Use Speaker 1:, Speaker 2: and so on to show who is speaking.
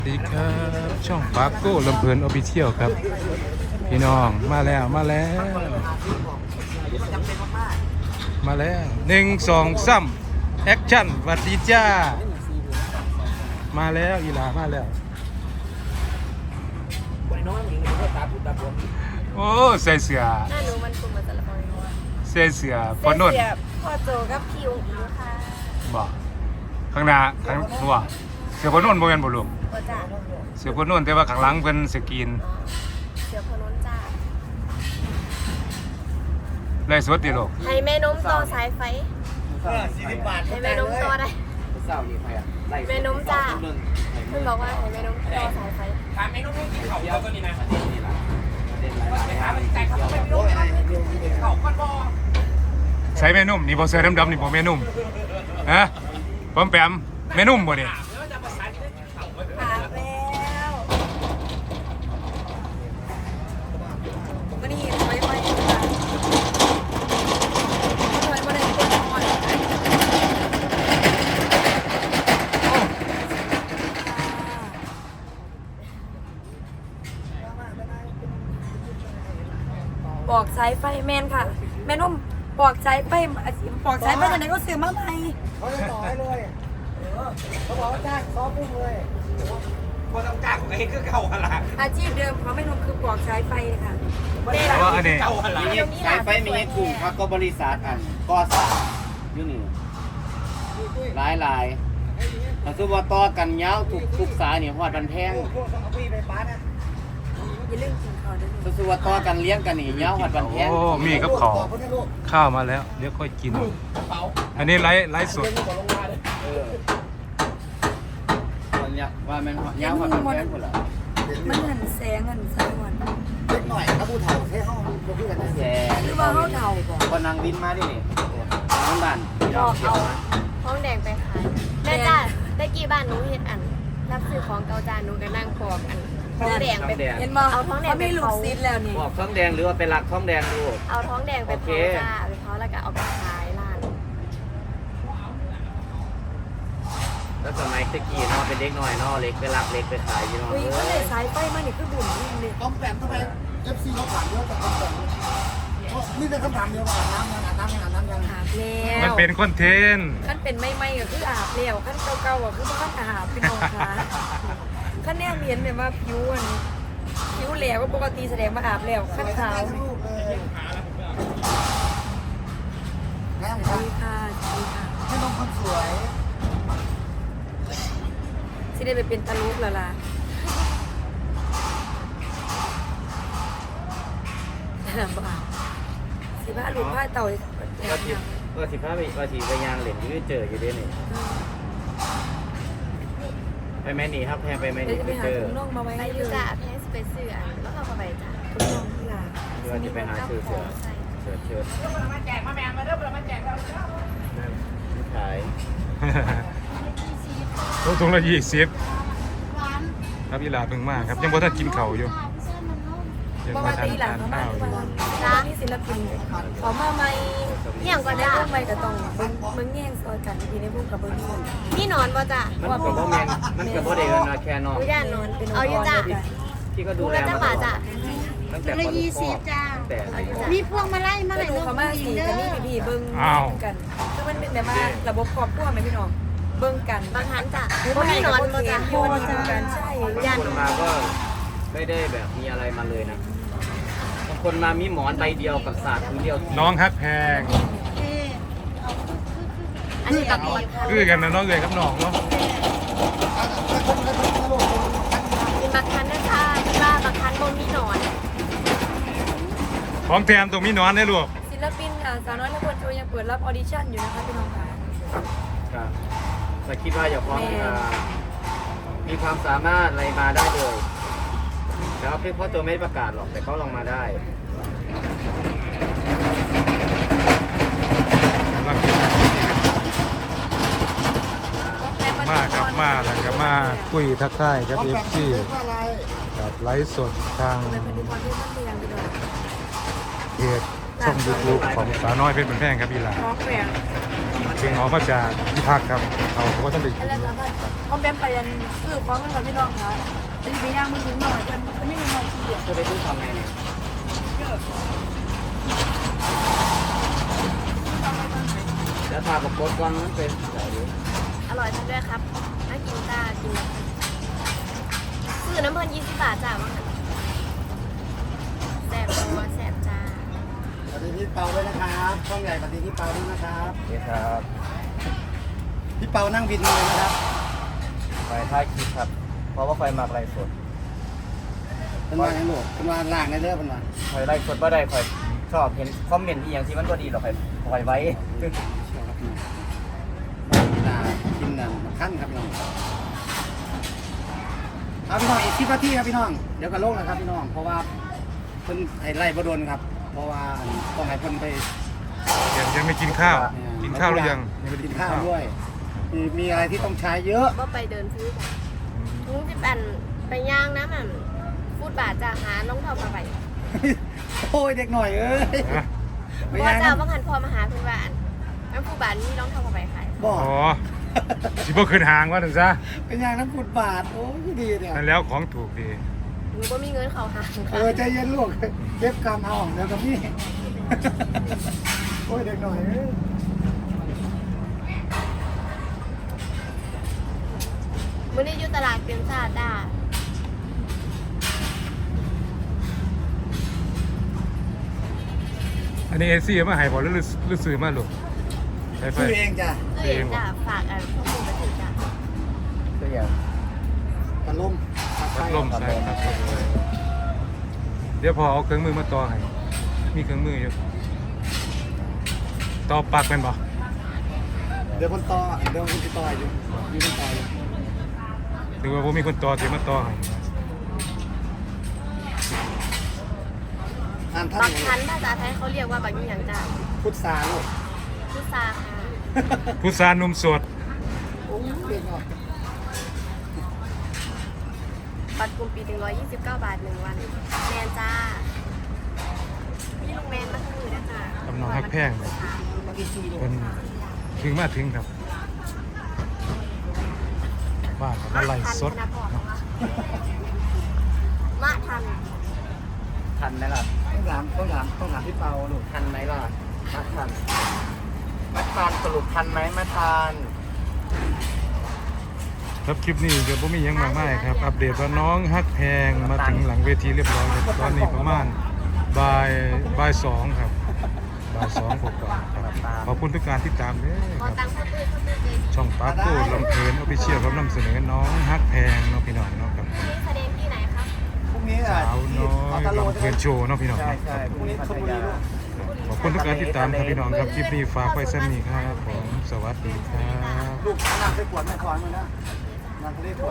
Speaker 1: สวัสดีครับช่องปาโก้ลำเพลินออฟฟิเชียลครับพี่น้องมาแล้วมาแล้ว1 2 3แอคชั่นสวัสดีจ้ามาแล้วอีหลามาแล้วโอ้ใส่เสื้อ
Speaker 2: หน้าหนูมันกลุ่มมาแต่ละคน
Speaker 1: ใส่เสื้อพอนนท์
Speaker 2: พ่อโจกับพี่องค์อิงค่ะ
Speaker 1: บอกข้างหน้าข้างหัวเสื้อพอนนท์บ่แม่นบ่ลูก
Speaker 2: พ่อจ่า
Speaker 1: เสื้อพอนนท์แต่ว่าข้างหลังเพิ่นสกรีน
Speaker 2: เสือพนนจ่า
Speaker 1: ไล่สดดิลูก
Speaker 2: ให้แม่นมต่อสายไฟ
Speaker 3: 40 บาท
Speaker 2: ให้แม่นมต่อได้
Speaker 3: เศร้านี่ใครอ่ะไล่
Speaker 2: แม่นมจ่าเพิ่งบอกว่าให้แม่นมต่อสายไฟ
Speaker 3: ถามแม่นุ่มให้กินข้าวเดียวก็นี่นะประเด็นนี่ล่ะประเด็นอะไรถามมันแต่เขาไม่รู้ให้กินข้าวก้อนบ่
Speaker 1: ใส่แม่นุ่มนี่บ่เสื้อดำๆนี่บ่แม่นุ่มฮะปอมแปมแม่นุ่มบ่นี่
Speaker 3: แล้วจะภาษาที่ได้กินข้าวก็
Speaker 2: ถามแล้ววันนี้ถอยไปค่ะถอยมาได้เป็นก่อนบอกสายไฟแมนค่ะ แม่นุ่มบอกสายไฟบอกสายไฟตอนไหนก็ซื้อมาใหม่
Speaker 4: เขาจะต่อให้เลยเขาบอกว่าจ้างซ้อมพุ่งเลย
Speaker 3: คนต้องจ้างไอ้คือเก่าอะไร
Speaker 2: อาชีพเดิมของแม่นุ่มคือบอกสายไฟค่ะ
Speaker 1: แต่ว่าอันนี้
Speaker 3: เก่าอะไร
Speaker 4: สายไฟมีไอ้กลุ่มครับก็บริษัทอันก่อสร้างอยู่นี่หลายถ้าสมมติว่าต่อกันยาวทุกสายนี่ฮอดบันแพง
Speaker 2: อย่าลืมกินข้าวด้วย
Speaker 4: ถ้าสมมติว่าต่อกันเลี้ยงกันนี่ยาวฮอดบันแพง
Speaker 1: โอ้มีกับข้าวข้าวมาแล้วเดี๋ยวค่อยกิน อันนี้ไลฟ์สด
Speaker 4: มันเนี่ยว่ามันยาวฮอดบันแพงพุ่นล่ะ
Speaker 2: มันหันแสงหันสายวัน
Speaker 4: เล็กหน่อยถ้าผู้เฒ่าให้ห้องก็คือกันแสง
Speaker 2: หรือว่าเขาเดาบอก
Speaker 4: ก็นั่งบินมาดินี่น้ำบ้าน
Speaker 2: บอกเอาท้องแดงไปขายแม่จ้าได้กี่บ้านหนูเห็ดอันรับซื้อของเกาจานหนูก็นั่งปอกอันท้องแดงไปเห็นบ่เอาท้องแดงไปลูกซิดแล้วนี่
Speaker 4: บอกท้องแดงหรือว่าเป็นหลักท้องแดงดู
Speaker 2: เอาท้องแดงไปเผาจ้าไปเผาแล้วก็เอาไปขายร้าน
Speaker 4: แล้วสมัยตะกี้เนาะเป็นเด็กน้อยเนาะเล็กไปรักเล็กไปขายอยู่เนาะ
Speaker 2: อุ้ยก็เลยสายไฟมานี่คือบุญยิ่งเลย
Speaker 5: ต้องแปมทำไม FC เขาถามเยอะแต่ต้องแปมนี่เป็นคำถามเดียวว่าอาบน้ำยังอาบน้ำยังอาบน้ำยัง
Speaker 2: อาบแล้ว
Speaker 1: มันเป็นคอนเทนต์
Speaker 2: ขั้นเป็นไม่ก็คืออาบแล้วขั้นเก่าๆก็คือบ่ขั้นอาบพี่น้องคะขั้นแนวเมียนแบบว่าผิวแหลวก็ปกติแสดงว่าอาบแล้วขั้นขาว
Speaker 5: ลูกเลยแม่
Speaker 2: สวัสดีค่ะสวัสดีค่ะ
Speaker 5: ให้น้องคนสวย
Speaker 2: สิได้ไปเป็นตะลุกแล้วล่ะบ้าสิบ้าลูกผ้าเต่า
Speaker 4: ก็สิพาไปยางเหรียญที่เจออยู่ด้วยนี่ไปแม่นี่ครับแพงไปแม่
Speaker 2: เดี๋ยว
Speaker 4: นี่
Speaker 2: จะไป
Speaker 4: ไป
Speaker 2: หา
Speaker 4: เจอ
Speaker 2: ถุงน่องมาไว้
Speaker 6: ไป
Speaker 2: ให้
Speaker 6: อ
Speaker 2: เล
Speaker 6: ยู่
Speaker 2: ย
Speaker 6: จ้ะแพงสิไปซื้ออันแล้วเอาเข้าไปจ้ะ
Speaker 2: ถุงน่องที่ลา
Speaker 4: เดี๋ยวจะไปหาซื้อเสือเชิดขาย
Speaker 1: ถุงละ20ครับอีหลาเพิ่งมาครับยังบ่ทันกินข้าวอยู่ยัง
Speaker 2: เพราะ
Speaker 1: บ่
Speaker 2: ว่า
Speaker 1: ทัน
Speaker 2: ตีหลัง
Speaker 1: ทาน
Speaker 2: เขามา
Speaker 1: ข้าวอ
Speaker 2: ทุก
Speaker 1: ยู่
Speaker 2: วันร้านนี้ศิลปินเขามาใหม่
Speaker 6: อย่างก็
Speaker 2: ได้
Speaker 6: จ้ะ
Speaker 2: พวกใหม่ก็ต้องเบิ่งแย่งซอยกันทีในพวกกับเบิ่งคน
Speaker 6: พี่นอนบ่จ้ะ
Speaker 4: มันกับพ่อแม่มันกับพ่อเด็กนะแค่นอก
Speaker 6: อุย่านนอนเอาอยู่จ้ะ
Speaker 4: พี่ก็ดู
Speaker 6: ดู
Speaker 4: แล
Speaker 6: แล้ว
Speaker 4: มา
Speaker 6: จ้ะ
Speaker 4: ต
Speaker 6: ป่า
Speaker 4: ลอ
Speaker 6: จ้ะ
Speaker 4: ดตั้งแต่ป .20
Speaker 6: จ้ะ
Speaker 4: แต่
Speaker 6: มีพวงมาลัยมา
Speaker 2: ก็
Speaker 6: ให้
Speaker 2: ดู
Speaker 6: ลูก
Speaker 2: เขามาสีกันนี่พี่เบิ่งกันคือมันเป็นแบบว่าระบบครอบครัวไหมพี่น้องเบิ่งกัน
Speaker 6: บางครั้งจ้ะ
Speaker 2: หรือ
Speaker 6: บ่
Speaker 2: ไม่
Speaker 6: มีน
Speaker 2: ก็
Speaker 6: อน
Speaker 2: บ่
Speaker 6: บ่
Speaker 2: เขีย
Speaker 6: จ้ะ
Speaker 2: นโยนกันใช่
Speaker 6: ย่าน
Speaker 4: คนมาก็ไม่ได้แบบมีอะไรมาเลยนะบางคนมามีหมอนใบเดียวกับศาสตร์พื้นเดียว
Speaker 1: น้องฮักแพง
Speaker 6: อันนี้ก็ดี
Speaker 1: คือกันนะน้องเอ๋ยกับน้องเนาะ
Speaker 6: มีบางครั้งนะจ้ะที่ว่าบางครั้งบ่มีนอน
Speaker 1: ของแถมตรงมีนอนได้ลูก
Speaker 2: ศิลปินสาวน้อยและคนโชว์ยังเปิดรับออดิชั่นอยู่นะคะพี่น้องค่ะ
Speaker 4: ครับแต่คิดว่าอย่าพร้อมมีความสามารถอะไรมาได้เลยแล้วพี่พ่อโจไม่ได้ประกาศหรอกแต่เขาลองมาได้
Speaker 1: มาครับมาแล้วก็มาคุยทักทายกับ FC
Speaker 5: อะไร
Speaker 1: กับไลฟ์สดทาง
Speaker 2: เป็นพันธุกรที่ต้องเรียนไปด้วย
Speaker 1: เพจช่อง YouTube ของสาวน้อยเพชรเป็นแพงครับอีหลา
Speaker 2: ร้องแหวง
Speaker 1: เพิ่งออกมาจากที่พักครับเขาก็ต้องไปกิน
Speaker 6: แล้วก็เขาแบมไปยันซื้อของกันกับพี่น้องค่ะจะไปย่างมือถึงหน่อยจะไม่มีหน่อยทีเดียว
Speaker 4: จะไปซื้อทำไงเนี่ยแล้วทากับโบดกวางนั้นเป็นไหน
Speaker 2: อร่อยทั้งด้วยครับน่ากินจ้ากินซื้อน้ำเพลิน20 บาทจ้ามั้งแซ่บตัวแซ่บจ้า
Speaker 5: ปฏิทินเปาด้วยนะครับช่องใหญ่ปฏิทินเปาด้วยนะครับ
Speaker 4: โอเคครับ
Speaker 5: พี่เปานั่งบินเลยนะครับ
Speaker 4: ไปท้ายคลิปครับ เพราะว่าไฟมากไรสด
Speaker 5: เป็นว่าไงลูกเป็นว่าล่างในเรื่องเป็นว่า
Speaker 4: คอยไล่สดว่าได้คอยชอบเห็นคอมเมนต์ที่อย่างที่มันก็ดีหรอกคอยไว้
Speaker 5: ชอบครับพี่น้องกินน้ำขั้นครับพี่น้องเอาพี่น้องอีก10 นาทีครับพี่น้องเดี๋ยวก็ลงนะครับพี่น้องเพราะว่าเพิ่นให้ไล่บ่โดนครับ เพราะว่าต้องให้เพิ่นไป
Speaker 1: ยังไม่กินข้าว กินข้าวหรือยังยังไม่ได้
Speaker 5: กิ
Speaker 1: กิ
Speaker 5: น
Speaker 1: น
Speaker 5: ข้า
Speaker 1: ข้าว ว
Speaker 5: ด้วยมีอะไรที่ต้องใช้เยอะ
Speaker 2: ก็ไปเดินซื้อจ้ะลุง10 อันไปย่างน้ำมันฟูดบาทจ้าหาน้องเท่ามาไป
Speaker 5: โอ้ยเด็กหน่อยเอ้ย
Speaker 1: นะ
Speaker 5: ไม่
Speaker 2: พ่อ
Speaker 5: ใช่
Speaker 2: เจ้าว่างันพอมาหาคุณบ้านน้ำฟูดบาทนี่น้องเท่ามาไปขาย
Speaker 5: บอก
Speaker 1: อ๋อสิบ่ขึ้นหางว่าถึงซะ
Speaker 5: เป็นอย่างนั้นฟุตบาทโอ้ยดีเนี่ย
Speaker 1: นั่นแล้วของถูกดี
Speaker 2: หนูก็มีเงินเขาหา
Speaker 5: ใจเย็นลูกเก็บกำเอาเดี๋ยวกับพี่ โอ้ยเด็กหน่อยเอ้ย
Speaker 2: มื่อนี้อยู่ตลาดเป็นซาด้า
Speaker 1: อันนี้เอซี่มาให้บ่หรือซื้อมาลูกใช่ไฟ
Speaker 5: ซื้อเองจ้ะ
Speaker 2: เอ้ยจ้าฝากอันพวกมึงมาถือจ้า
Speaker 4: ก็อย่าง
Speaker 5: พัดลม
Speaker 1: พัดลมใส่ครับเดี๋ยวพอเอาเครื่องมือมาต่อให้มีเครื่องมืออยู่ต่อปลักเป็นบ่
Speaker 5: เดี๋ยวคนต่อเดี๋ยวคนติดต่ออยู่มีคนต่ออยู่
Speaker 1: หรือว่าผมมีคนต่อที่มาต่อให้
Speaker 5: อ่านท่า
Speaker 2: บั
Speaker 5: น
Speaker 2: กคันภาษาไทยเขาเรียกว่าบักยี่หยังจ้า
Speaker 5: พุทธาลูก
Speaker 2: พุทราค่ะ
Speaker 1: ผู้สานุ่มสด
Speaker 5: โอ้ยเด็กหน่อย
Speaker 2: บัตรกลุ่มปี129 บาท1 วันแมนจ้าพี่ลูกแมนมาทั้งมือนะจ้าก
Speaker 1: ำลังฮักแพงเลย
Speaker 5: มากี่ซีลูก
Speaker 1: เป็นถึงมาถึงครับบ้านกับอะไรสด
Speaker 2: ทันธนพรมาทัน
Speaker 4: ทันไหมล่ะ
Speaker 5: ต้องถามพี่เปาลูก
Speaker 4: ทันไหมล่ะมาทันมาทานสรุปทันไหมมาทาน
Speaker 1: ครับคลิปนี้เดี๋ยวผมมีหยังมากมายครับ อัปเดตว่าน้องฮักแพงมาถึงหลังเวทีเรียบร้อยครับตอนนี้ประมาณบ่าย2ครับบ่าย2กว่าๆครับขอบคุณทุกการที่ตามเด้อ
Speaker 2: ขอ
Speaker 1: ครับ
Speaker 2: ตังค์เพื่อนเพื่อนเลย
Speaker 1: ช่องปาร์ตี้ลำเพลินออฟฟิเชียลครับนำเสนอน้องฮักแพงเนาะพี่น้องเนาะครับ
Speaker 2: นี่แสดงที่ไหนครับ
Speaker 5: พรุ่งนี้
Speaker 1: สาวน้อยลำเพลินโชว์เนาะพี่น้อง
Speaker 4: ใช่
Speaker 1: เนาะ
Speaker 4: ใช่พรุ่งนี้พัทยา
Speaker 1: ขอบคุณทุกการติดตามครับพี่น้องครับคลิปนี้ฝากไว้ซ้ำนี้ครับผมสวัสดีครับ
Speaker 5: ลูกน้ำใส่ขวดไม่คอนมานะน้ำทะเลขวด